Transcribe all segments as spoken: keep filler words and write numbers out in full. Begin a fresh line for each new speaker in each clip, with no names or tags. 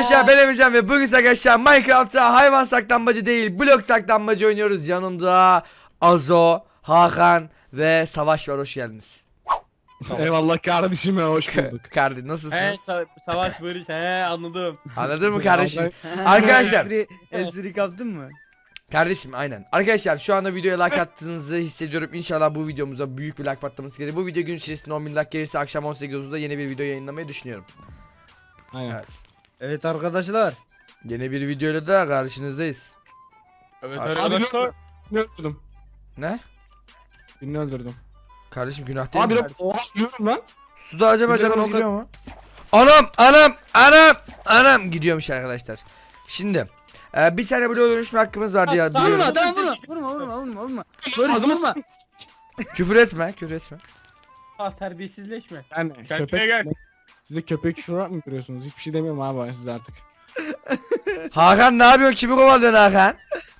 arkadaşlar ben Emircan ve bugün arkadaşlar Minecraft'ta hayvan saklanmacı değil blok saklanmacı oynuyoruz. Yanımda Azo, Hakan ve Savaş var, hoş geldiniz.
Eyvallah kardeşim ya, hoş bulduk.
Kardeşim
He
nasılsınız?
sa savaş barış he anladım.
Anladın mı kardeşim? Arkadaşlar.
Espri, espri kaptın mı?
Kardeşim aynen. Arkadaşlar şu anda videoya like attığınızı hissediyorum. İnşallah bu videomuza büyük bir like patlaması gelir. Bu video gün içerisinde on bin like gelirse akşam on sekiz otuzda yeni bir video yayınlamayı düşünüyorum.
Aynen.
Evet.
Evet arkadaşlar.
Yeni bir videoyla da karşınızdayız.
Evet
Abi,
arkadaşlar.
Birini öldürdüm.
Ne?
Birini öldürdüm.
Kardeşim günah değil
Abi
mi?
lan, oha yiyorum lan.
Suda acaba
Bir de ben
canımız
o
gidiyor mu? Anam anam anam anam gidiyormuş arkadaşlar. Şimdi e, bir tane bloğa dönüşme hakkımız vardı ya.
Sağ ol
diyorum.
lan.
Vurma tamam vurma vurma vurma vurma vurma. Barış
Ağzıma
vurma.
Küfür etme, küfür etme.
Ah terbiyesizleşme.
Yani
Kendine
köpek.
gel.
Siz de köpek şurak mı görüyorsunuz? Hiçbir şey demiyorum abi ben size artık.
Hakan ne yapıyorsun? Kimi kovalıyorsun Hakan?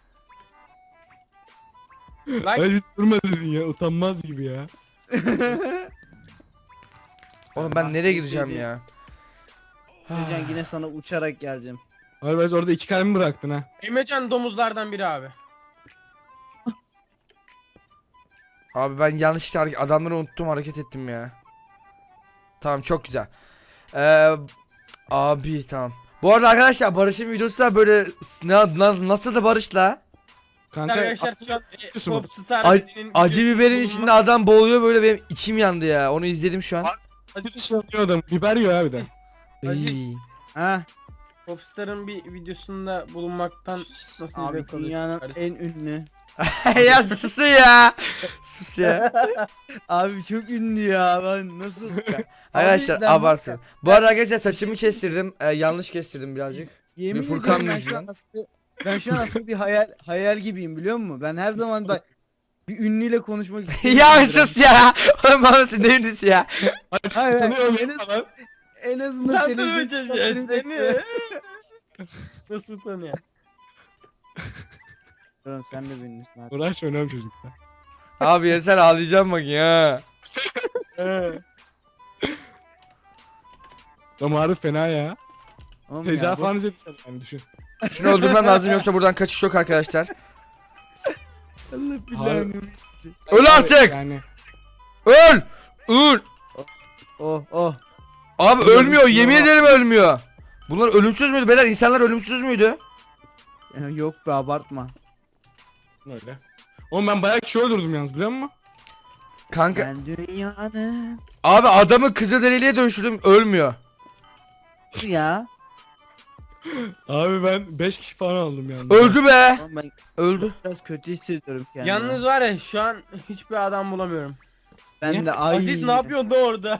Lan
Hayır hiç durma dedin ya, utanmaz gibi ya.
Oğlum ben
Bak,
nereye
bir
gideceğim
şey
ya?
Can yine sana uçarak geleceğim.
Abi ben orada iki kalemi bıraktın ha.
Emrecan domuzlardan biri abi.
Abi ben yanlışlıkla hareket, adamları unuttum, hareket ettim ya. Tamam, çok güzel. Ee, abi tamam. Bu arada arkadaşlar Barış'ın videosu da böyle na, na, nasıl da Barış'la
Kanka
Arkadaşlar şu an e,
Yapıyorsun mu?
Popstar
Ac-
dediğinin
acı
videosu
biberin
bulunma-
içinde adam boğuluyor, böyle benim içim yandı ya. Onu izledim şu an.
bir şey yapıyor adam. Biber yiyor abi de.
İyi.
Ha
Popstar'ın bir videosunda bulunmaktan nasıl
abi
zevk alıyorsun
dünyanın
kardeşim?
en ünlü.
Ya sus ya. Sus ya.
Abi çok ünlü ya ben nasıl?
Arkadaşlar
ben-
abartın. Bu arada arkadaşlar saçımı kestirdim. Ee, yanlış kestirdim birazcık.
Yemin
Bir Furkan
ediyorum ben şu
yüzünden.
an aslında ben şu an aslında bir hayal hayal gibiyim biliyor musun? Ben her zaman bak bir ünlüyle konuşmak istiyorum.
Ya sus ya. Oğlum bana sen ne ünlüsü ya.
Hayır,
Tanıyorum
en,
ya
az,
falan.
en azından
Sen
televizyon
tanımayacağız ya
çıkartırım
seni.
bekliyorum.
Nasıl tanıyor?
Oğlum sen de bir ünlüsün abi.
Uğraşma önemli çocuklar.
Abi ya sen ağlayacağım bak ya.
Damarı fena ya.
Oğlum ya,
Tecavüz
bu-
falan izledim yani düşün.
Şunu öldürmem lazım yoksa buradan kaçış yok arkadaşlar.
Allah
Abi-
billahi.
Öl artık.
Yani.
Öl. Öl.
Oh oh.
Abi
Ölüyorum
ölmüyor,
ya.
yemin ederim ölmüyor. Bunlar ölümsüz müydü beyler? İnsanlar ölümsüz müydü?
Ya yok be abartma.
Öyle. Oğlum ben bayağı kişi öldürdüm yalnız biliyor musun?
Kanka
Ben dünyanın
abi adamı kızılderiliye dönüştürdüm, ölmüyor.
ya.
Abi ben beş kişi falan aldım yalnız.
Öldü be.
Oğlum ben
Öldü.
biraz kötü hissediyorum kendimi.
Yalnız var ya şu an hiçbir adam bulamıyorum.
ben
Niye?
de ay.
Aziz ne yapıyorsun da orada?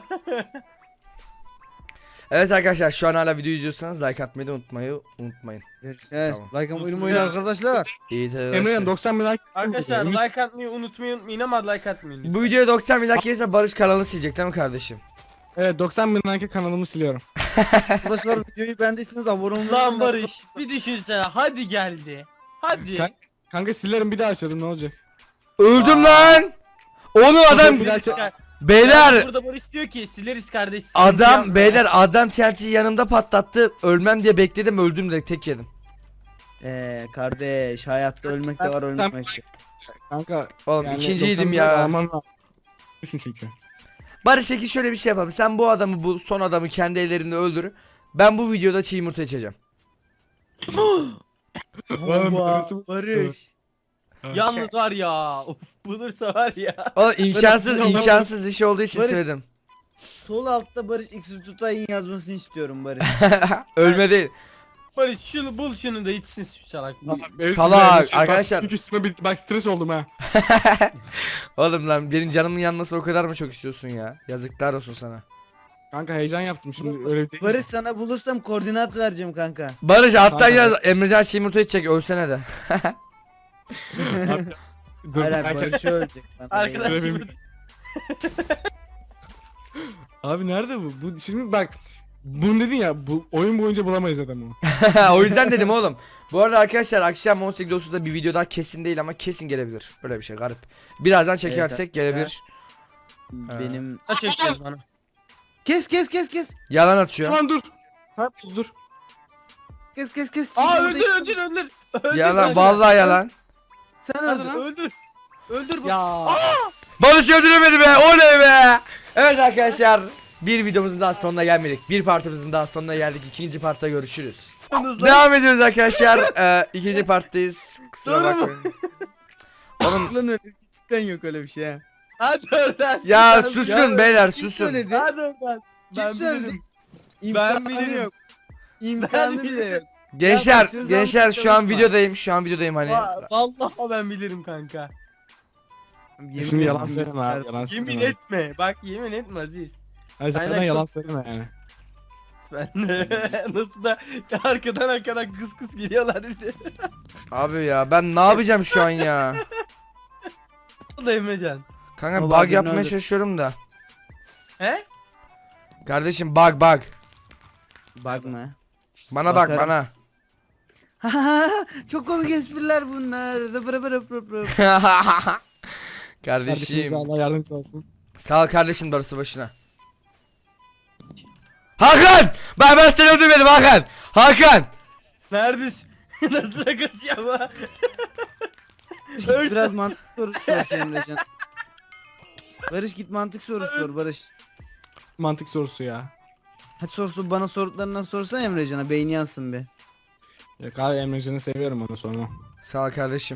Evet arkadaşlar şu an hala video izliyorsanız like atmayı da unutmayı unutmayın.
Görüşürüz.
Tamam.
Like and oyun arkadaşlar.
İyi
Emre'nin
arkadaşlar.
doksan bin like.
Arkadaşlar
Ümit-
like atmayı unutmayın unutmayın ama like atmayın.
Bu videoya doksan bin like gelirse Barış kanalını silecek değil mi kardeşim?
Evet doksan bin like kanalımı siliyorum.
Arkadaşlar videoyu beğendiyseniz abone olmayı
Lan Barış bir düşünsene hadi geldi. Hadi.
Kan- Kanka silerim bir daha açalım ne olacak?
Öldüm lan. Oğlum adam
Bir daha
Sileriz kar-
beyler
Yani burada Barış diyor ki sileriz kardeş. sıkıntı
adam
yapma."
beyler adam T N T'yi yanımda patlattı. Ölmem diye bekledim, öldüm direkt, tek yedim.
Eee kardeş hayatta ölmek de var ölmek de.
Kanka
Oğlum
yani
ikinciydim
doksan bin
ya.
like alman lazım. Düşün çünkü.
Barış peki şöyle bir şey yapalım. Sen bu adamı, bu son adamı kendi ellerinde öldür. Ben bu videoda çiğ yumurta içeceğim.
Oğlum,
Baba
birisi-
Barış.
Yalnız var ya. Of bulursa var ya.
Oğlum imkansız
Barış,
imkansız bir şey olduğu için
Barış-
söyledim.
Sol altta Barış X tutayın yazmasını istiyorum Barış.
Ölme değil.
Barış şunu bul şunu da içsin şu salak.
Benim
Salak,
sinirlerim şey-
arkadaşlar.
Bak, çünkü üstüme bir, bak stres oldum ha.
Oğlum lan benim canımın yanmasını o kadar mı çok istiyorsun ya? Yazıklar olsun sana.
Kanka heyecan yaptım şimdi öyle değil.
Barış sana bulursam koordinat vereceğim kanka.
Barış alttan
Kanka.
yaz, Emrecan çiğ yumurta içecek, ölsene de.
Dur
Hayır hayır
kanka.
Barış ölecek. bana değil.
Arkadaş
Öyle
şimdi
Abi nerede bu? Bu şimdi bak. Bunu dedin ya bu oyun boyunca bulamayız adamı.
O yüzden dedim oğlum. Bu arada arkadaşlar akşam on sekiz otuzda bir video daha kesin değil ama kesin gelebilir. Böyle bir şey garip. Birazdan çekersek
Evet,
gelebilir.
Benim.
ne çekiyorsun bana?
Kes kes kes kes.
Yalan atıyor.
Tamam dur. Tamam dur.
Kes kes kes.
Aa
Şimdi
öldür
burada
öldür öldür. Öldür
Yalan
öldür.
vallahi yalan.
Sen
Hadi
öldür.
lan öldür. Öldür bu.
Ya.
Barış öldüremedi be. Oley be. Evet arkadaşlar. Bir videomuzun daha sonuna gelmedik. Bir partimizin daha sonuna geldik. İkinci partta görüşürüz.
Hızlı.
Devam ediyoruz arkadaşlar. Ee, ikinci parttayız. Kusura
Doğru mu?
bakmayın. Oğlum
Lan öyle cidden yok öyle bir şey ha.
Hadi oradan.
ya
Ben-
susun
Ya,
beyler
kim
susun.
söyledi?
Hadi oradan. Ben
Kim söyledi?
bilirim.
İmkanı
bilirim.
yok. İmkanı
Ben
bile
bilirim.
yok.
Gençler
başınıza
gençler şu an
çalışma.
videodayım. Şu an videodayım hani.
Va- Vallahi ben bilirim kanka.
Yemin
Şimdi yalan
ederim.
söyleme abi. Yalan
Yemin
söyleme.
etme. Bak yemin etme Aziz.
Hayır
Aynen,
zaten
çok-
yalan söyleme yani.
Ben de nasıl da arkadan arkadan kıs kıs geliyorlar bir de.
Abi ya ben ne yapacağım şu an ya?
O da Emrecan.
Kanka
Vallahi
bug
birini
yapmaya
öldür.
çalışıyorum da.
He?
Kardeşim bug bug.
Bakma.
Bana bak
Bakarım.
bana.
Çok komik espriler bunlar. Rıp rıp rıp rıp rıp.
Kardeşimize
Kardeşim.
Allah yardımcısı olsun.
Sağ ol kardeşim darısı başına. Hakan! Ben ben seni öldürmedim Hakan. Hakan!
Neredesin? Nasıl da kaçıyor ama?
Git
Ölsün.
biraz mantık sorusu sor Emrecan. Barış git mantık sorusu sor Barış.
Mantık sorusu ya.
Hadi sorusu bana sorduklarından sorsan Emrecan'a beyni yansın be.
Yok abi Emrecan'ı seviyorum onu sonra.
Sağ ol kardeşim.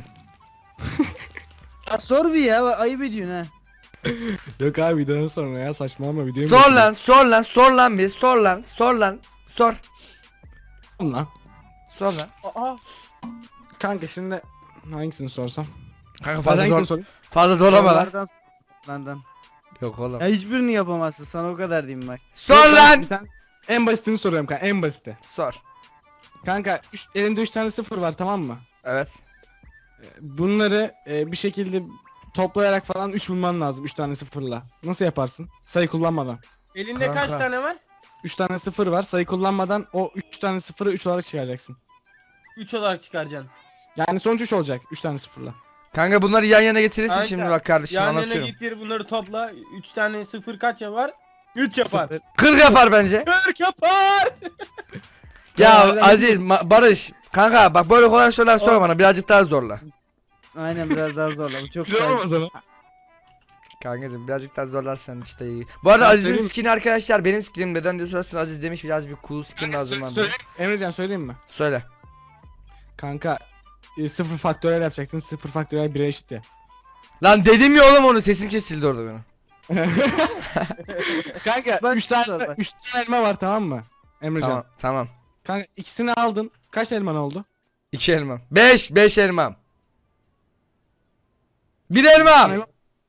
Ya sor bir ya ayıp ediyorsun ha.
Yok abi videodan sonra ya saçmalama videoyu.
Sor lan sor lan sor lan bir sor lan sor lan sor.
Lan.
Aa.
Sor lan.
Kanka şimdi hangisini sorsam?
Kanka
Ben
fazla
hangisini
zor,
sorayım?
fazla zorlama lan.
Sorulardan sor, Landan.
Yok oğlum.
Ya hiçbirini yapamazsın sana o kadar diyeyim bak.
Sor
Yok,
lan.
bir tane- En basitini soruyorum kanka en basiti.
Sor.
Kanka üç, elinde üç tane sıfır var tamam mı?
Evet.
Bunları e, bir şekilde toplayarak falan üç bulman lazım üç tane sıfırla. Nasıl yaparsın? Sayı kullanmadan.
Elinde
Kanka.
kaç tane var?
üç tane sıfır var sayı kullanmadan o üç tane sıfırı üç olarak çıkaracaksın.
üç olarak çıkaracaksın.
Yani sonuç üç olacak üç tane sıfırla.
Kanka bunları yan yana getirirsin
Kanka,
şimdi bak kardeşim
Yan yana
anlatıyorum.
getir bunları topla. üç tane sıfır kaç yapar? üç yapar.
Sıfır.
kırk yapar bence.
kırk yapar.
Ya
Ya, öyle
Aziz, Ma- Barış. Kanka bak böyle kolay sorular sorma bana birazcık daha zorla.
Aynen biraz daha zorla bu çok
Güzel
saçma.
olmaz ama.
Kankacım birazcık daha zorlarsan işte iyi. Bu arada
Ben
Aziz'in
söyleyeyim.
skin'i arkadaşlar benim skinim neden diye sorarsanız Aziz demiş biraz bir cool skin lazım bana.
Söyle. Emrecan söyleyeyim mi?
Söyle.
Kanka e, sıfır faktörel yapacaksın sıfır faktörel bire eşit ya.
Lan dedim ya oğlum onu sesim kesildi orada benim.
Kanka
Bak,
üç tane
sor bak.
üç tane elma var tamam mı? Emrecan.
Tamam tamam.
Kanka ikisini aldın. Kaç elman oldu?
İki elmam. Beş. Beş elmam. Bir elmam.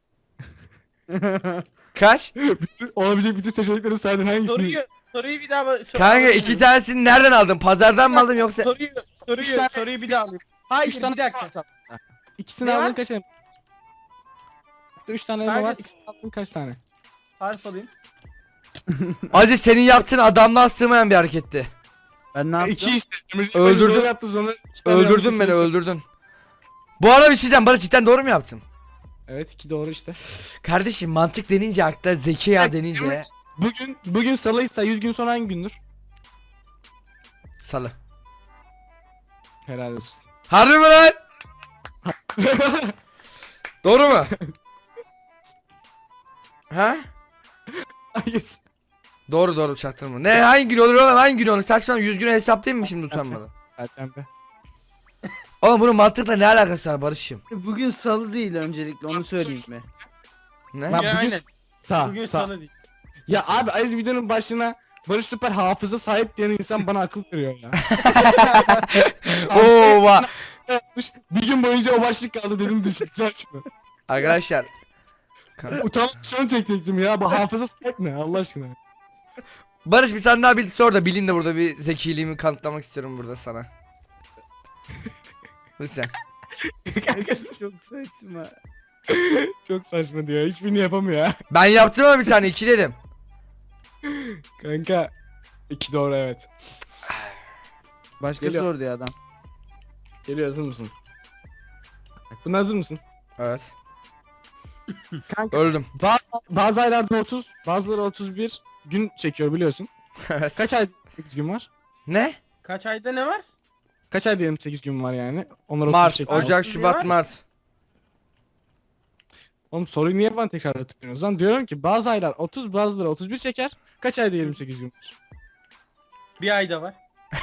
Kaç?
Olabilecek bütün seçenekleri saydın hangisini?
Soruyu soruyu bir daha sor-
Kanka iki tanesini nereden aldın? Pazardan mı aldın yoksa?
Soruyu soruyu
Üç tane-
soruyu bir daha alayım. Hayır
Üç tane
bir dakika.
İkisini
Ne
aldın
var?
kaç elma? Üç tane elma var.
Hangisi?
İkisini aldın kaç tane?
Harf alayım.
Aziz senin yaptığın adamlığa sığmayan bir hareketti.
Ben ne yaptım?
İki işte. Emrecan
Öldürdün.
doğru yaptı sonra. iki tane
Öldürdün
yanlış
beni
seçmiş.
öldürdün. Bu arada bir şey diyeceğim. Barış cidden doğru mu yaptım?
Evet iki doğru işte.
Kardeşim mantık denince akla zeki ya denince
Bugün bugün salıysa yüz gün sonra hangi gündür?
salı.
Helal olsun.
Harbi mi lan? Doğru mu? Ha?
Hayır.
Doğru doğru çaktırma. Ne hangi gün olur oğlum hangi gün olur? Saçma yüz günü hesaplayayım mı şimdi utanmadan?
Perşembe.
Oğlum bunun mantıkla ne alakası var Barış'ım?
Bugün salı değil öncelikle onu söyleyeyim mi?
Ne?
Bak
Ya,
bugün
aynen.
sağ
Bugün
sağ.
sana değil.
Ya abi Aziz videonun başına Barış süper hafıza sahip diyen insan bana akıl veriyor ya.
Oo va.
Yapmış, bir gün boyunca o başlık kaldı dedim düşüneceğim şunu.
Arkadaşlar. Kan-
Utanıp şunu çekecektim ya bu hafıza sahip ne Allah aşkına.
Barış bir tane daha bil sor da bilin de burada bir zekiliğimi kanıtlamak istiyorum burada sana. Lütfen.
Çok saçma.
Çok saçma diyor hiçbirini yapamıyor ya.
Ben yaptım ama bir saniye iki dedim.
Kanka iki doğru evet.
Başka
Geliyor.
sordu ya adam.
Geliyor hazır mısın? Buna hazır mısın?
Evet.
Kanka
Öldüm.
bazı, bazı aylarda otuz bazıları otuz bir gün çekiyor biliyorsun.
Evet.
Kaç ay sekiz gün var?
Ne?
Kaç ayda ne var?
Kaç ayda yirmi sekiz gün var yani? Onlar otuz
Mart,
çekiyor.
Ocak,
Otuz
Şubat,
var.
Mart.
Oğlum soruyu niye bana tekrar tutuyorsunuz lan? Diyorum ki bazı aylar otuz, bazıları otuz bir çeker. Kaç ayda yirmi sekiz gün var?
Bir ayda var.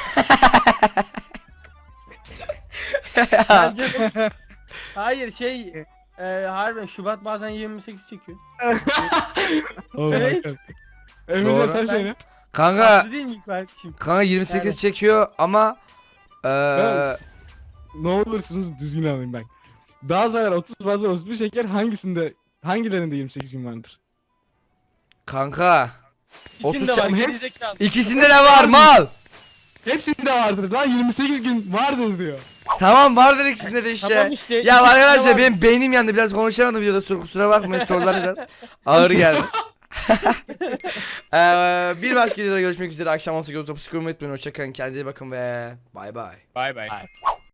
Bence de- Hayır şey e, harbiden Şubat bazen yirmi sekiz çekiyor.
Oh my
Evet.
God. Emrecan
Doğru.
sen
Ben-
söyle.
Kanka,
Haklı değil mi kardeşim?
kanka yirmi sekiz
Yani-
çekiyor ama eee
Ben- Ne olursunuz düzgün alayım ben. Bazı aylar otuz, bazıları otuz bir çeker. Hangisinde, hangilerinde yirmi sekiz gün vardır?
kanka
İçinde
otuz
var
çam-
gerizekalı.
ikisinde de var mal.
Hepsinde vardır lan, yirmi sekiz gün vardır diyor.
Tamam vardır ikisinde de işte.
Tamam işte,
Ya
ikisinde
arkadaşlar
var.
benim beynim yandı, biraz konuşamadım videoda, sur- kusura bakmayın, sorular biraz ağır geldi. Eee bir başka videoda görüşmek üzere, akşam on sekiz otuz unutmayın, hoşçakalın, kendinize iyi bakın ve bay bay.
Bay bay.